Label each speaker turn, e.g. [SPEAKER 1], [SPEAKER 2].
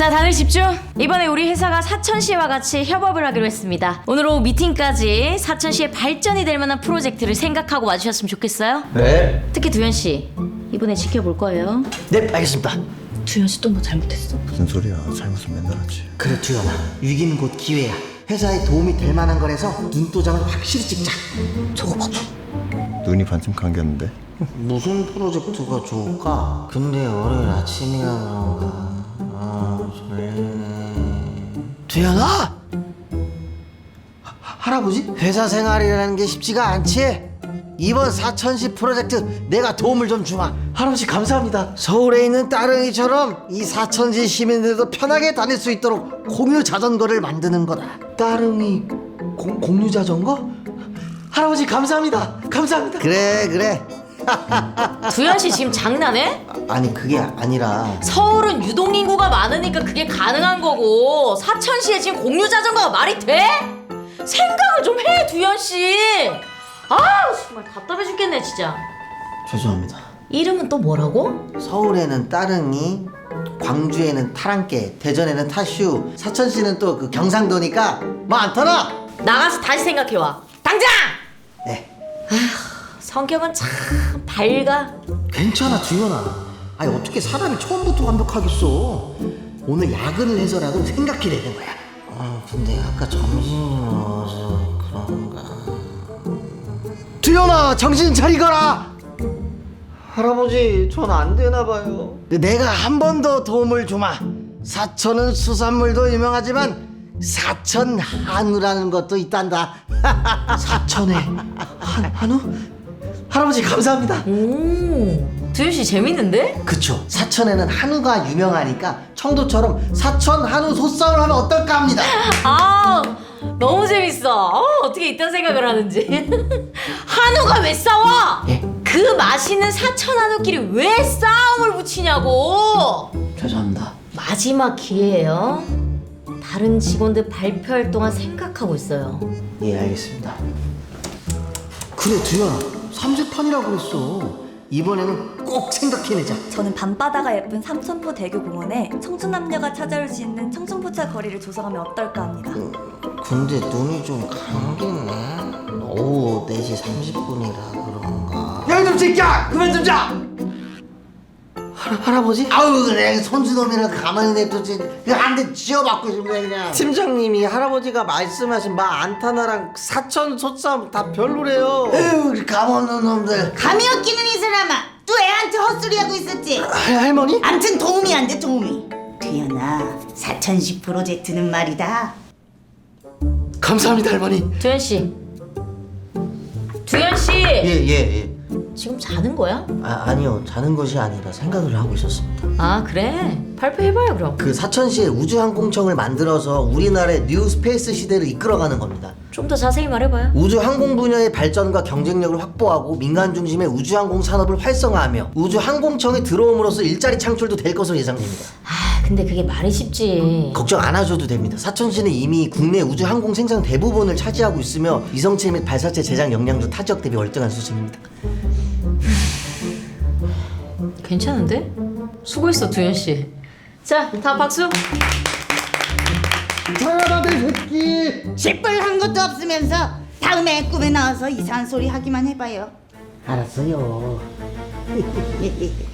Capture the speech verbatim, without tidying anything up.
[SPEAKER 1] 자, 다들 집중! 이번에 우리 회사가 사천시와 같이 협업을 하기로 했습니다. 오늘 오후 미팅까지 사천시의 발전이 될 만한 프로젝트를 생각하고 와주셨으면 좋겠어요.
[SPEAKER 2] 네.
[SPEAKER 1] 특히 두현씨, 이번에 지켜볼 거예요.
[SPEAKER 2] 네, 알겠습니다.
[SPEAKER 1] 두현씨 또 뭐 잘못했어?
[SPEAKER 3] 무슨 소리야? 잘못은 맨날 하지.
[SPEAKER 2] 그래, 두현아. 위기는 곧 기회야. 회사에 도움이 될 만한 거라서 눈도장을 확실히 찍자.
[SPEAKER 1] 저거 봐봐.
[SPEAKER 3] 눈이 반쯤 감겼는데.
[SPEAKER 2] 무슨 프로젝트가 좋을까? 근데 월요일 아침이라 그런가. 아, 졸리네. 두현아! 하, 할아버지? 회사 생활이라는 게 쉽지가 않지? 이번 사천시 프로젝트 내가 도움을 좀 주마. 할아버지 감사합니다. 서울에 있는 따릉이처럼 이 사천시 시민들도 편하게 다닐 수 있도록 공유 자전거를 만드는 거다. 따릉이 공, 공유 자전거? 할아버지 감사합니다. 감사합니다. 그래 그래.
[SPEAKER 1] 두현씨 지금 장난해?
[SPEAKER 2] 아니 그게 아니라
[SPEAKER 1] 서울은 유동인구가 많으니까 그게 가능한 거고 사천시에 지금 공유자전거가 말이 돼? 생각을 좀 해, 두현씨. 아, 정말 답답해 죽겠네 진짜.
[SPEAKER 2] 죄송합니다.
[SPEAKER 1] 이름은 또 뭐라고?
[SPEAKER 2] 서울에는 따릉이, 광주에는 타랑깨, 대전에는 타슈, 사천시는 또 그 경상도니까 뭐 많더라.
[SPEAKER 1] 나가서 다시 생각해와 당장!
[SPEAKER 2] 네.
[SPEAKER 1] 성격은 참 밝아.
[SPEAKER 2] 괜찮아 두현아. 아니 어떻게 사람이 처음부터 완벽하겠어. 오늘 야근을 해서라도 생각해 내는 거야. 아 근데 아까 점심이 먹어서 그런가. 두현아 정신 차리거라. 할아버지 전 안 되나 봐요. 내가 한 번 더 도움을 주마. 사천은 수산물도 유명하지만 사천 한우라는 것도 있단다. 사천에 한, 한우? 할아버지 감사합니다.
[SPEAKER 1] 오, 두현씨 재밌는데?
[SPEAKER 2] 그쵸. 사천에는 한우가 유명하니까 청도처럼 사천 한우 소싸움을 하면 어떨까 합니다.
[SPEAKER 1] 아, 너무 재밌어. 어, 어떻게 이딴 생각을 하는지. 한우가 왜 싸워?
[SPEAKER 2] 예?
[SPEAKER 1] 그 맛있는 사천 한우끼리 왜 싸움을 붙이냐고.
[SPEAKER 2] 죄송합니다.
[SPEAKER 1] 마지막 기회예요. 다른 직원들 발표할 동안 생각하고 있어요.
[SPEAKER 2] 예 알겠습니다. 그래 두현아 삼재판이라고 그랬어. 이번에는 꼭 생각해내자.
[SPEAKER 4] 저는 밤바다가 예쁜 삼천포 대교공원에 청춘 남녀가 찾아올 수 있는 청춘포차 거리를 조성하면 어떨까 합니다.
[SPEAKER 2] 근데 눈이 좀 감기네. 오후 네 시 삼십 분이라 그런가. 야 이놈 새끼야 그만 좀 자. 할, 할아버지? 아우 그래 손주놈이라 가만히 냅두지. 한대 쥐어박고 싶네 그냥. 팀장님이 할아버지가 말씀하신 마 안타나랑 사천 소싸움 다 별로래요. 에휴 감없는 놈들.
[SPEAKER 5] 감이 없기는 이 사람아. 또 애한테 헛소리하고 있었지.
[SPEAKER 2] 할, 할머니?
[SPEAKER 5] 암튼 도움이 안 돼 도움이. 두현아 사천시 프로젝트는 말이다.
[SPEAKER 2] 감사합니다 할머니.
[SPEAKER 1] 두현씨, 두현씨,
[SPEAKER 2] 예예 예, 예.
[SPEAKER 1] 지금 자는 거야?
[SPEAKER 2] 아, 아니요 자는 것이 아니라 생각을 하고 있었습니다.
[SPEAKER 1] 아, 그래? 발표해봐요 그럼.
[SPEAKER 2] 그 사천시에 우주항공청을 만들어서 우리나라의 뉴 스페이스 시대를 이끌어가는 겁니다.
[SPEAKER 1] 좀 더 자세히 말해봐요.
[SPEAKER 2] 우주항공 분야의 발전과 경쟁력을 확보하고 민간 중심의 우주항공 산업을 활성화하며 우주항공청에 들어옴으로써 일자리 창출도 될 것으로 예상됩니다.
[SPEAKER 1] 아, 근데 그게 말이 쉽지.
[SPEAKER 2] 걱정 안 하셔도 됩니다. 사천시는 이미 국내 우주항공 생산 대부분을 차지하고 있으며 위성체 및 발사체 제작 역량도 타 지역 대비 월등한 수준입니다.
[SPEAKER 1] 괜찮은데? 수고했어 두현씨. 자, 다 박수.
[SPEAKER 2] 잘하다 내 새끼.
[SPEAKER 5] 식불한 것도 없으면서 다음에 꿈에 나와서 이상한 소리 하기만 해봐요.
[SPEAKER 2] 알았어요.